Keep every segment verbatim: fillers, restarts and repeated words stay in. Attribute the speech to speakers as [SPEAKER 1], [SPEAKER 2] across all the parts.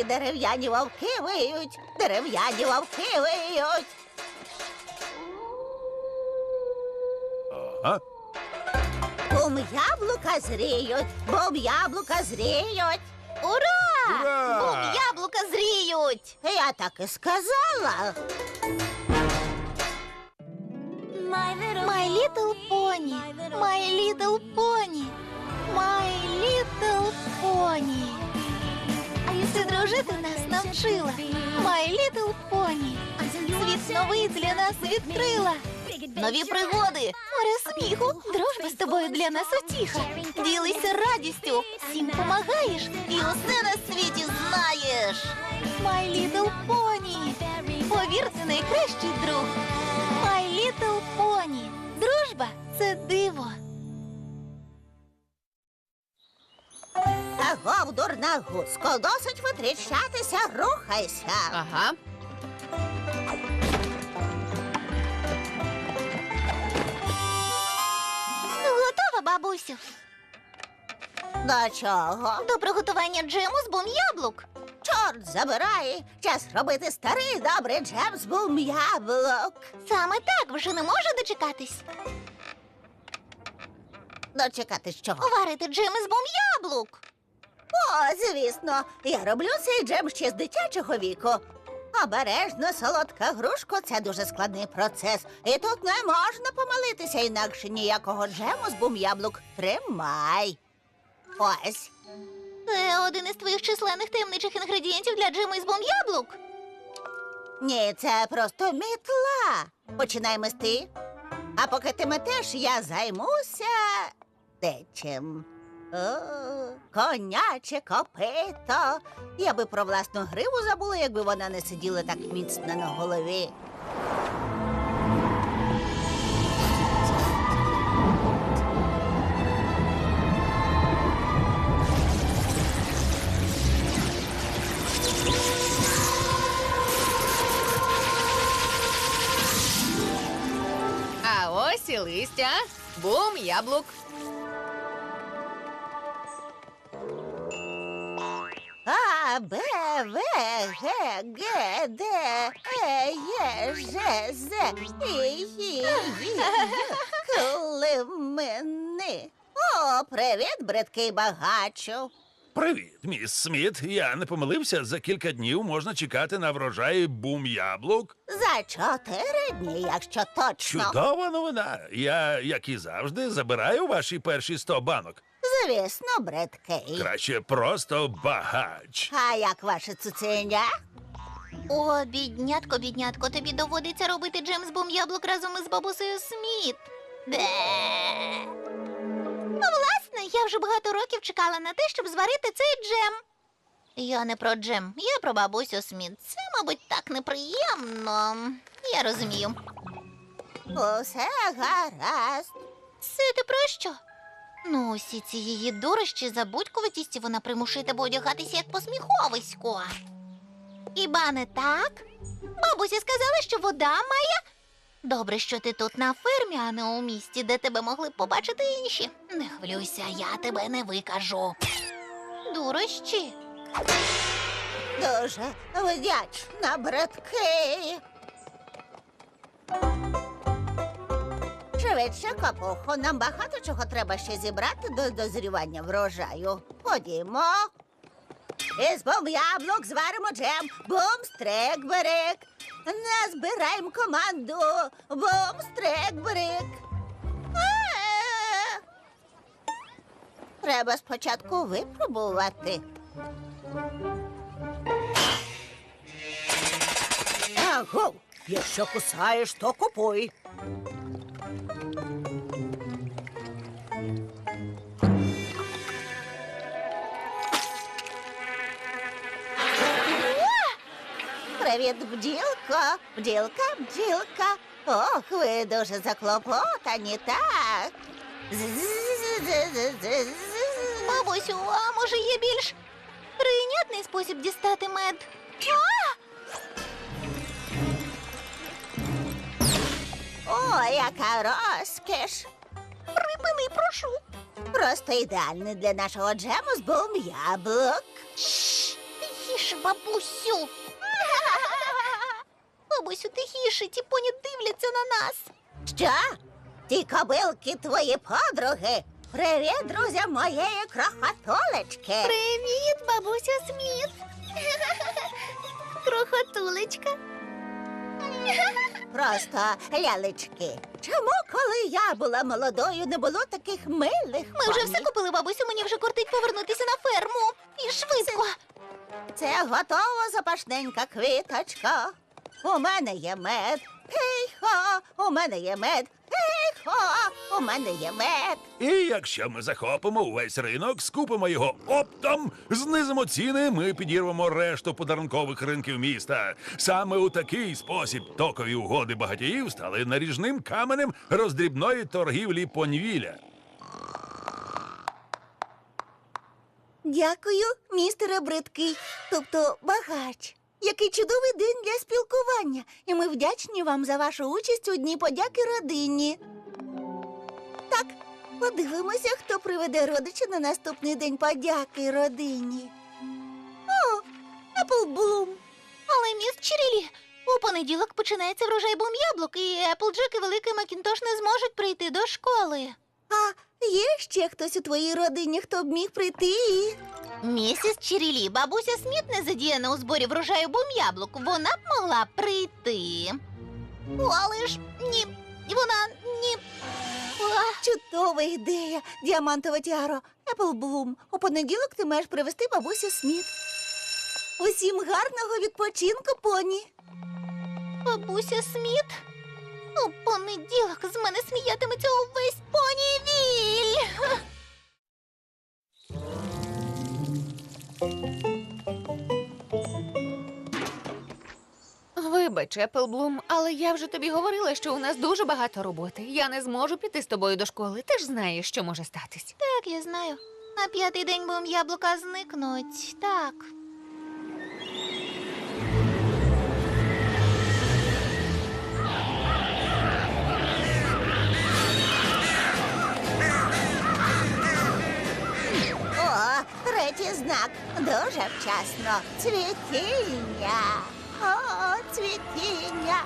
[SPEAKER 1] І дерев'яні вовки виють, дерев'яні вовки виють.
[SPEAKER 2] Ага.
[SPEAKER 1] Бум яблука зріють, бум яблука зріють.
[SPEAKER 3] Ура!
[SPEAKER 2] Ура!
[SPEAKER 3] Бум яблука зріють!
[SPEAKER 1] Я так і сказала.
[SPEAKER 3] My Little Pony, My Little Pony, My Little Pony. Ти дружити нас навчила, My Little Pony. Світ новий для нас відкрила. Нові пригоди, море сміху, дружба з тобою для нас утіха. Ділися радістю, всім помагаєш і усе на світі знаєш. My Little Pony, повір, це найкращий друг. My Little Pony, дружба – це диво.
[SPEAKER 1] Агов, дурна гуско, досить витріщатися, рухайся.
[SPEAKER 4] Ага.
[SPEAKER 3] Готова, бабусю?
[SPEAKER 1] До чого?
[SPEAKER 3] До приготування джему з бум яблук.
[SPEAKER 1] Чорт забирай, час робити старий добрий джем з бум яблук.
[SPEAKER 3] Саме так, вже не можу дочекатись.
[SPEAKER 1] Дочекати чого?
[SPEAKER 3] Варити джем із бум яблук.
[SPEAKER 1] О, звісно, я роблю цей джем ще з дитячого віку. Обережно, солодка грушко – це дуже складний процес. І тут не можна помилитися, інакше ніякого джему з бум яблук. Тримай. Ось.
[SPEAKER 3] Це один із твоїх численних таємничих інгредієнтів для джему із бум яблук.
[SPEAKER 1] Ні, це просто мітла. Починай мести. А поки ти метеш, я займуся дечим. О, коняче копито. Я би про власну гриву забула, якби вона не сиділа так міцно на голові.
[SPEAKER 4] А ось і листя. Бум яблук.
[SPEAKER 1] А, Б, В, Г, Г, Д, Е, Є, Ж, З, І, Ї, Ї, Климини. О, привіт, бридкий багачу.
[SPEAKER 2] Привіт, міс Сміт. Я не помилився, за кілька днів можна чекати на врожай бум яблук.
[SPEAKER 1] За чотири дні, якщо точно.
[SPEAKER 2] Чудова новина. Я, як і завжди, забираю ваші перші сто банок.
[SPEAKER 1] Звісно, бридкий.
[SPEAKER 2] Краще просто багач.
[SPEAKER 1] А як ваше цуценя?
[SPEAKER 3] О, біднятко, біднятко, тобі доводиться робити джем з бум яблук разом із бабусею Сміт. Бе. Ну, власне, я вже багато років чекала на те, щоб зварити цей джем. Я не про джем, я про бабусю Сміт. Це, мабуть, так неприємно. Я розумію.
[SPEAKER 1] Усе гаразд.
[SPEAKER 3] Це ти про що? Ну, усі ці її дурощі, забудькуватісті вона примушує тебе одягатися як посміховисько. Хіба не так? Бабуся сказала, що вода має... Добре, що ти тут на фермі, а не у місті, де тебе могли б побачити інші. Не хвилюйся, я тебе не викажу. Дурощі.
[SPEAKER 1] Дуже вдячна, бридкий. Швидше, капухо, нам багато чого треба ще зібрати до дозрівання врожаю. Ходімо. Із бум яблук зваримо джем. Бум-стрик-брик. Назбираємо команду. Бум-стрик-брик. А-а-а. Треба спочатку випробувати. Аго, якщо кусаєш, то купуй. Привіт, бджілко. Бджілка, бджілка. Ох, ви дуже заклопотані, так. З-з-з-з-з-з-з.
[SPEAKER 3] Бабусю, а може є більш прийнятний спосіб дістати мед? А!
[SPEAKER 1] О, яка розкіш.
[SPEAKER 3] Припини, прошу.
[SPEAKER 1] Просто ідеальний для нашого джему з бум яблук.
[SPEAKER 3] Шш, тихіше, бабусю. Бабусю, тихіше, ті поні дивляться на нас.
[SPEAKER 1] Що? Ті кобилки твої подруги? Привіт, друзям моєї крохотулечки.
[SPEAKER 3] Привіт, бабусю Сміт. Крохотулечка.
[SPEAKER 1] Просто лялечки. Чому, коли я була молодою, не було таких милих
[SPEAKER 3] Ми вже
[SPEAKER 1] поні?
[SPEAKER 3] все купили, бабусю, мені вже кортить повернутися на ферму. І швидко.
[SPEAKER 1] Це готова запашненька квіточка. У мене є мед. Хей-хо, у мене є мед. Хей-хо, у мене є мед.
[SPEAKER 2] І якщо ми захопимо увесь ринок, скупимо його оптом, знизимо ціни, ми підірвемо решту подарункових ринків міста. Саме у такий спосіб токові угоди багатіїв стали наріжним каменем роздрібної торгівлі понівіля.
[SPEAKER 1] Дякую, містере Бридкий, тобто багач. Який чудовий день для спілкування. І ми вдячні вам за вашу участь у Дні подяки родині. Так, подивимося, хто приведе родича на наступний День подяки родині. О, Еплблум.
[SPEAKER 3] Але, міс Чирілі, у понеділок починається врожай бум яблук, і Еплджек і Великий Макінтош не зможуть прийти до школи.
[SPEAKER 1] А є ще хтось у твоїй родині, хто б міг прийти?
[SPEAKER 3] Місіс Чирілі, бабуся Сміт не задіяна у зборі врожаю бум яблук. Вона б могла прийти. О, але ж ні, вона ні. А,
[SPEAKER 1] Чудова ідея, діамантова тіаро. Еплблум, у понеділок ти маєш привезти бабусю Сміт. Усім гарного відпочинку, поні.
[SPEAKER 3] бабуся Сміт? У понеділок з мене сміятиметься увесь понівіль.
[SPEAKER 4] Вибач, Еплблум, але я вже тобі говорила, що у нас дуже багато роботи. Я не зможу піти з тобою до школи. Ти ж знаєш, що може статись.
[SPEAKER 3] Так, я знаю. На п'ятий день бум яблука зникнуть. Так.
[SPEAKER 1] О, третій знак. Дуже вчасно. Цвітіння. О, цвітіння.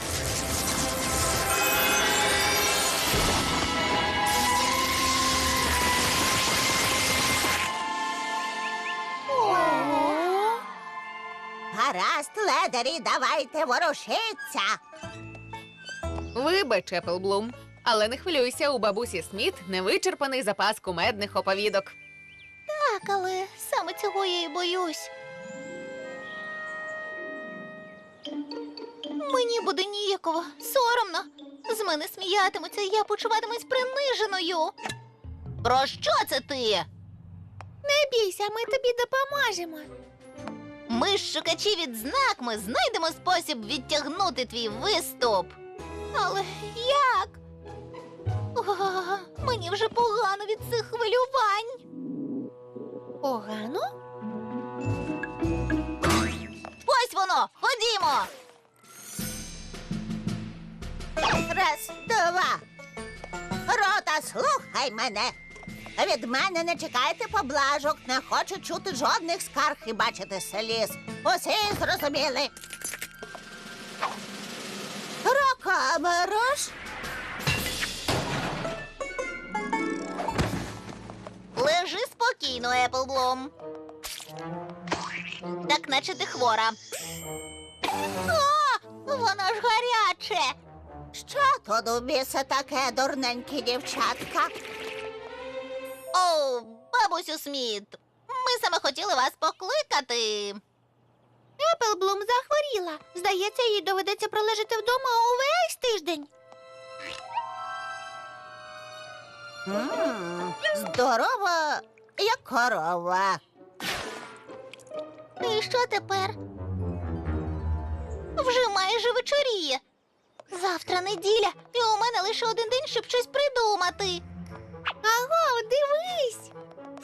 [SPEAKER 1] Гаразд, ледарі, давайте ворушиться.
[SPEAKER 4] Вибач, Еплблум, але не хвилюйся, у бабусі Сміт невичерпаний запас кумедних оповідок.
[SPEAKER 3] Так, але саме цього я і боюсь. Мені буде ніяково, соромно. З мене сміятимуться, і я почуватимусь приниженою. Про що це ти? Не бійся, ми тобі допоможемо. Ми ж шукачі відзнак, ми знайдемо спосіб відтягнути твій виступ. Але як? О, мені вже погано від цих хвилювань. Погано? Ось воно! Ходімо!
[SPEAKER 1] Раз, два. Рота, слухай мене. Від мене не чекайте поблажок, не хочу чути жодних скарг і бачити сліз. Усі зрозуміли. Рокамерош.
[SPEAKER 3] Лежи спокійно, Еплблум. Так наче ти хвора. О, воно ж гаряче.
[SPEAKER 1] Що тут у біса таке, дурненькі дівчатка?
[SPEAKER 3] О, бабусю Сміт, ми саме хотіли вас покликати. Еплблум захворіла. Здається, їй доведеться пролежати вдома увесь тиждень.
[SPEAKER 1] М, Здорова, як корова.
[SPEAKER 3] І що тепер? Вже майже вечоріє. Завтра неділя, і у мене лише один день, щоб щось придумати. Аго, дивись!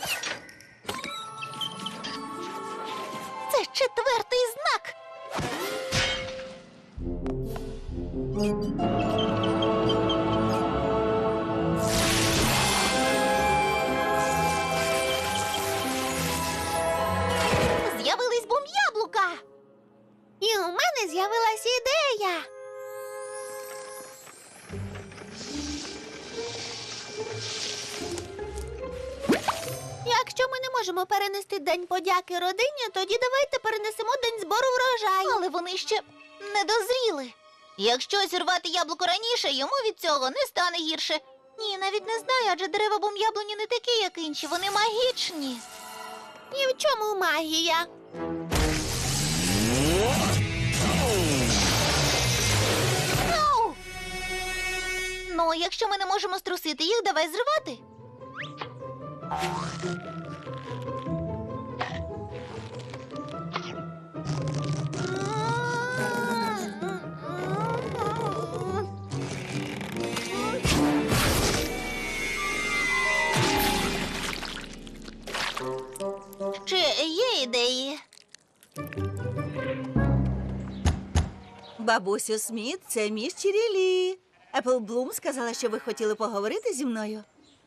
[SPEAKER 3] Це четвертий знак. З'явились бум яблука. мене з'явилась ідея. Якщо ми не можемо перенести День подяки родині, тоді давайте перенесемо День збору врожаю. Але вони ще не дозріли. Якщо зірвати яблуко раніше, йому від цього не стане гірше. Ні, навіть не знаю, адже дерева бум-яблуні не такі, як інші, вони магічні. І в чому магія? Ау! Ну, якщо ми не можемо струсити їх, давай зривати. Чи є ідеї?
[SPEAKER 1] Бабусю Сміт, це міс Чірілі. Епл Блум сказала, що ви хотіли поговорити зі мною.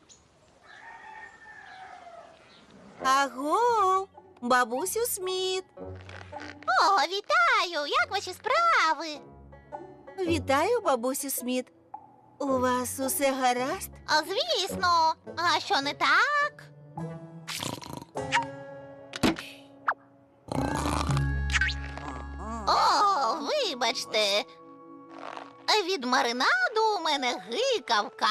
[SPEAKER 1] Аго, бабусю Сміт.
[SPEAKER 3] О, вітаю! Як ваші справи?
[SPEAKER 1] Вітаю, бабусю Сміт. У вас усе гаразд?
[SPEAKER 3] А, звісно. А що не так? О, вибачте. Від маринаду у мене гикавка.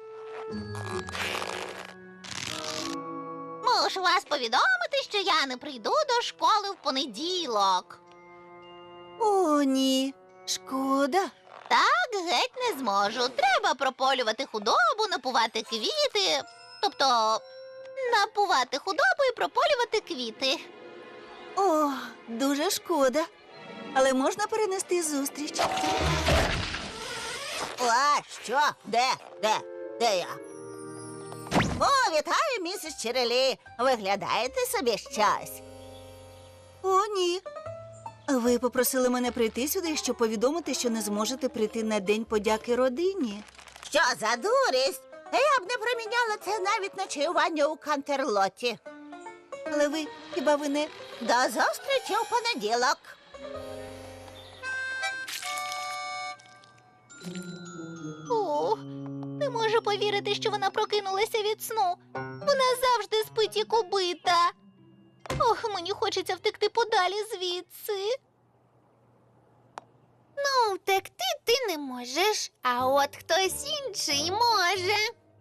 [SPEAKER 3] Мушу вас повідомити, що я не прийду до школи в понеділок.
[SPEAKER 1] О, ні. Шкода.
[SPEAKER 3] Так, геть не зможу. Треба прополювати худобу, напувати квіти. Тобто, напувати худобу і прополювати квіти.
[SPEAKER 1] О, дуже шкода. Але можна перенести зустріч. А, що? Де? Де? Де я? О, вітаю, місіс Чірілі. Виглядаєте собі щось? О, ні. Ви попросили мене прийти сюди, щоб повідомити, що не зможете прийти на День подяки родині. Що за дурість? Я б не проміняла це навіть на чаювання у Кантерлоті. Але ви, хіба ви не... До зустрічі у понеділок.
[SPEAKER 3] О, не можу повірити, що вона прокинулася від сну. Вона завжди спить як убита. Ох, мені хочеться втекти подалі звідси. Ну, втекти ти не можеш, а от хтось інший може.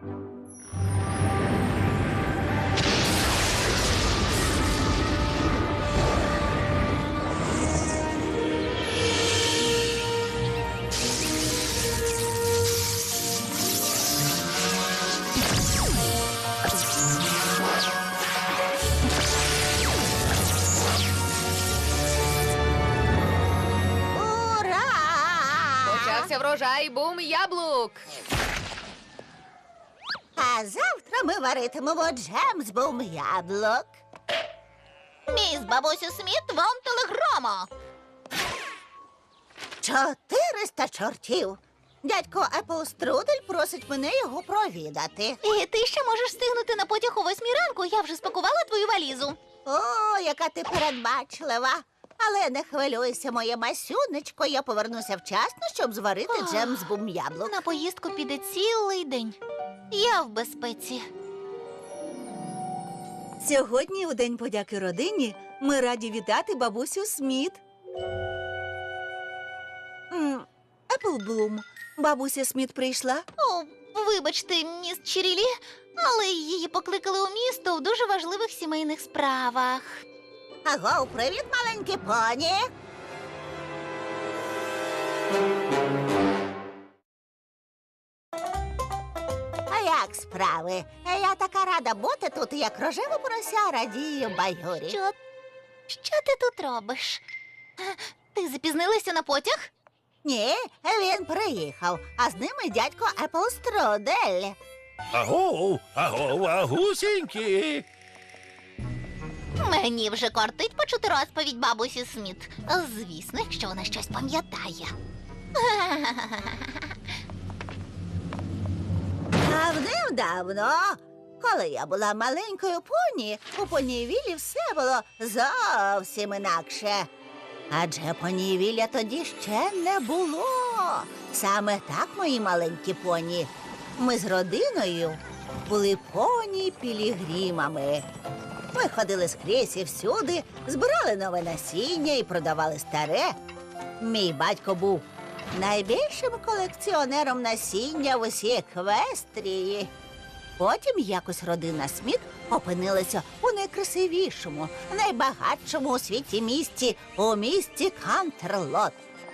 [SPEAKER 4] Почався врожай бум яблук.
[SPEAKER 1] А завтра ми варитимемо джем з бум яблук.
[SPEAKER 3] Міс бабусю Сміт, вам телеграма.
[SPEAKER 1] Чотириста чортів. Дядько Епл Струдель просить мене його провідати.
[SPEAKER 3] І ти ще можеш встигнути на потяг о восьмій ранку. Я вже спакувала твою валізу.
[SPEAKER 1] О, яка ти передбачлива. Але не хвилюйся, моє масюнечко, я повернуся вчасно, щоб зварити
[SPEAKER 3] Ох.
[SPEAKER 1] джем з бум яблук.
[SPEAKER 3] На поїздку піде цілий день. Я в безпеці.
[SPEAKER 1] Сьогодні, у День подяки родині, ми раді вітати бабусю Сміт. М, Епл Блум, бабуся Сміт прийшла?
[SPEAKER 3] О, вибачте, міс Чірілі, але її покликали у місто в дуже важливих сімейних справах.
[SPEAKER 1] Аго, привіт, маленькі поні. А як справи? Я така рада бути тут, як рожева порося радію баюрі.
[SPEAKER 3] Що? Що ти тут робиш? Ти запізнилася на потяг?
[SPEAKER 1] Ні, він приїхав, а з ними дядько Епл Струдель.
[SPEAKER 2] Аго, аго, агусінькі.
[SPEAKER 3] Мені вже кортить почути розповідь бабусі Сміт. Звісно, якщо вона щось пам'ятає.
[SPEAKER 1] Давним-давно, коли я була маленькою поні, у понівілі все було зовсім інакше. Адже понівілля тоді ще не було. Саме так, мої маленькі поні. Ми з родиною були поні-пілігримами. Ми ходили скрізь і всюди, збирали нове насіння і продавали старе. Мій батько був найбільшим колекціонером насіння в усій Еквестрії. Потім якось родина Сміт опинилася у найкрасивішому, найбагатшому у світі місті, у місті Кантерлот.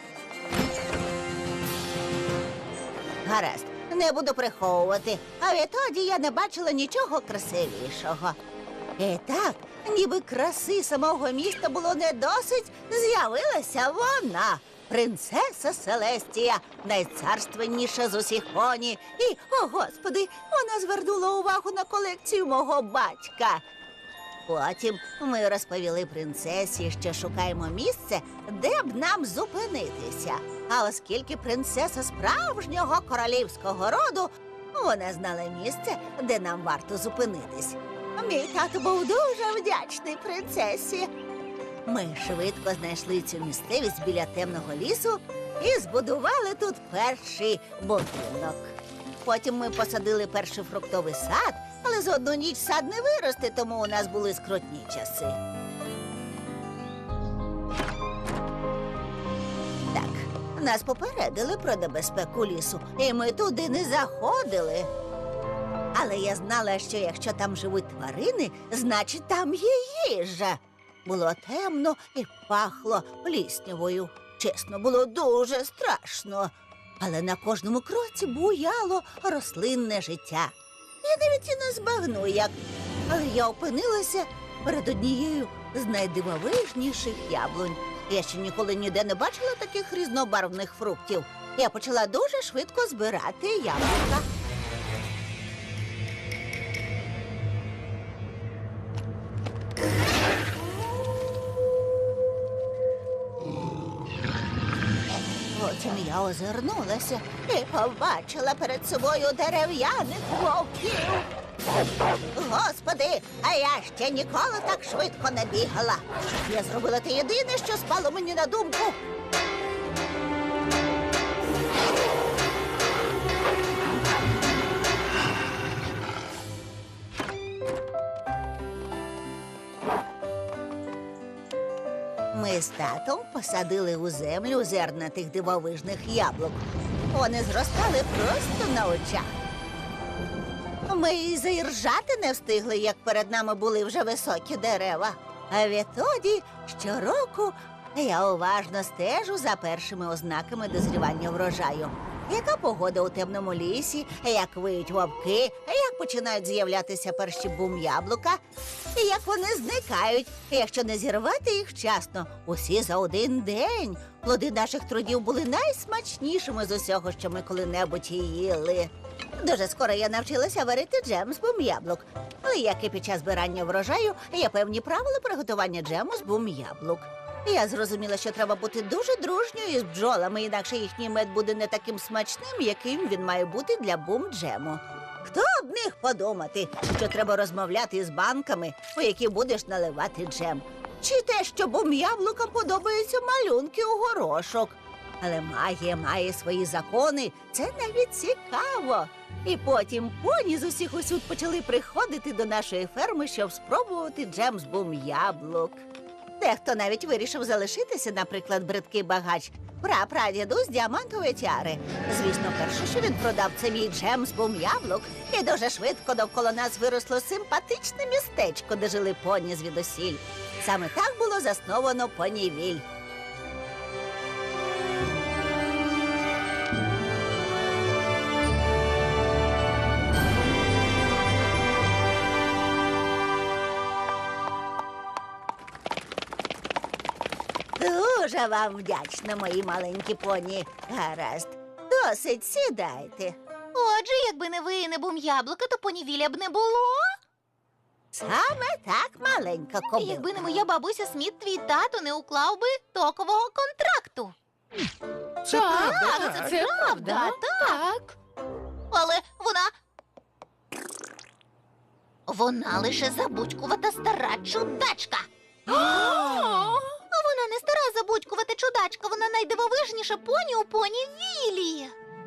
[SPEAKER 1] Гаразд, не буду приховувати, а відтоді я не бачила нічого красивішого. І так, ніби краси самого міста було не досить, з'явилася вона, принцеса Селестія, найцарственніша з усіх поні. І, о господи, вона звернула увагу на колекцію мого батька. Потім ми розповіли принцесі, що шукаємо місце, де б нам зупинитися. А оскільки принцеса справжнього королівського роду, вона знала місце, де нам варто зупинитись. Мій тато був дуже вдячний принцесі. Ми швидко знайшли цю місцевість біля темного лісу і збудували тут перший будинок. Потім ми посадили перший фруктовий сад, але за одну ніч сад не виросте, тому у нас були скрутні часи. Так, нас попередили про небезпеку лісу, і ми туди не заходили. Але я знала, що якщо там живуть тварини, значить там є їжа. Було темно і пахло пліснявою. Чесно, було дуже страшно. Але на кожному кроці буяло рослинне життя. Я навіть і не збагну, як. Але я опинилася перед однією з найдивовижніших яблунь. Я ще ніколи ніде не бачила таких різнобарвних фруктів. Я почала дуже швидко збирати яблука. Потім я озирнулася і побачила перед собою дерев'яних вовків. Господи, а я ще ніколи так швидко не бігала. Я зробила те єдине, що спало мені на думку. Ми з татом посадили у землю зерна тих дивовижних яблук. Вони зростали просто на очах. Ми і заіржати не встигли, як перед нами були вже високі дерева. А відтоді щороку я уважно стежу за першими ознаками дозрівання врожаю. Яка погода у темному лісі, як виють вовки, як починають з'являтися перші бум-яблука, і як вони зникають, якщо не зірвати їх вчасно. Усі за один день. Плоди наших трудів були найсмачнішими з усього, що ми коли-небудь їли. Дуже скоро я навчилася варити джем з бум-яблук. Але як і під час збирання врожаю, є певні правила приготування джему з бум-яблук. Я зрозуміла, що треба бути дуже дружньою з бджолами, інакше їхній мед буде не таким смачним, яким він має бути для бум-джему. Хто б міг подумати, що треба розмовляти з банками, у які будеш наливати джем? Чи те, що бум-яблукам подобаються малюнки у горошок? Але магія має свої закони, це навіть цікаво. І потім поні з усіх усюд почали приходити до нашої ферми, щоб спробувати джем з бум-яблук. Дехто навіть вирішив залишитися, наприклад, бридкий багач, прапрадіду з діамантової тіари. Звісно, перше, що він продав, це мій джем з бум-яблук. І дуже швидко довкола нас виросло симпатичне містечко, де жили поні звідусіль. Саме так було засновано Понівіль. Дуже вам вдячна, мої маленькі поні. Гаразд, досить, сідайте.
[SPEAKER 3] Отже, якби не ви і не бум-яблука, то понівілля б не було.
[SPEAKER 1] Саме так, маленька кобилка.
[SPEAKER 3] Якби не моя бабуся Сміт, твій тато не уклав би токового контракту.
[SPEAKER 2] Це
[SPEAKER 4] Так,
[SPEAKER 2] правда.
[SPEAKER 4] це правда.
[SPEAKER 3] так.
[SPEAKER 4] Так.
[SPEAKER 3] Але вона... Вона лише забудькувата стара чудачка. Вона не стара забудькувата чудачка. Вона найдивовижніша поні у поні Віллі.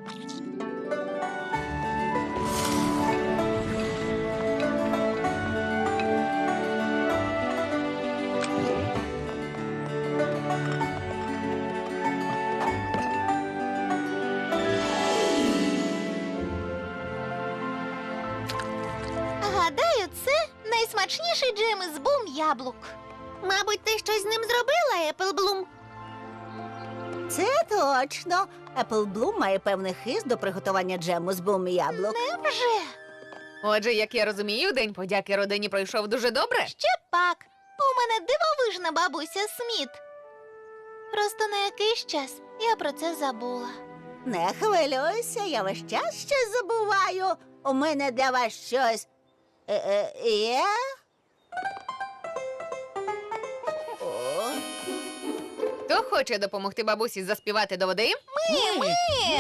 [SPEAKER 3] Гадаю, це найсмачніший джем із бум яблук.
[SPEAKER 5] Мабуть, ти щось з ним зробила, Еплблум?
[SPEAKER 1] Це точно. Apple Bloom має певний хист до приготування джему з бум яблук.
[SPEAKER 3] Невже?
[SPEAKER 4] Отже, як я розумію, День подяки родині пройшов дуже добре.
[SPEAKER 3] Ще пак. У мене дивовижна бабуся Сміт. Просто на якийсь час я про це забула.
[SPEAKER 1] Не хвилюйся, я весь час щось забуваю. У мене для вас щось е -е є. О,
[SPEAKER 4] Хто хоче допомогти бабусі заспівати до води?
[SPEAKER 3] Ні, ми!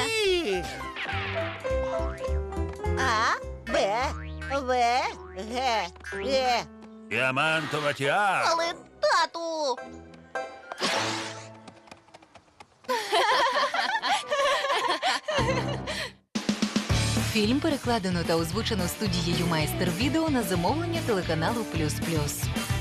[SPEAKER 1] А, Б, В, Г, Г.
[SPEAKER 2] Діамантова тіара.
[SPEAKER 3] Але, тату!
[SPEAKER 6] Фільм перекладено та озвучено студією Майстер Відео на замовлення телеканалу Плюс Плюс.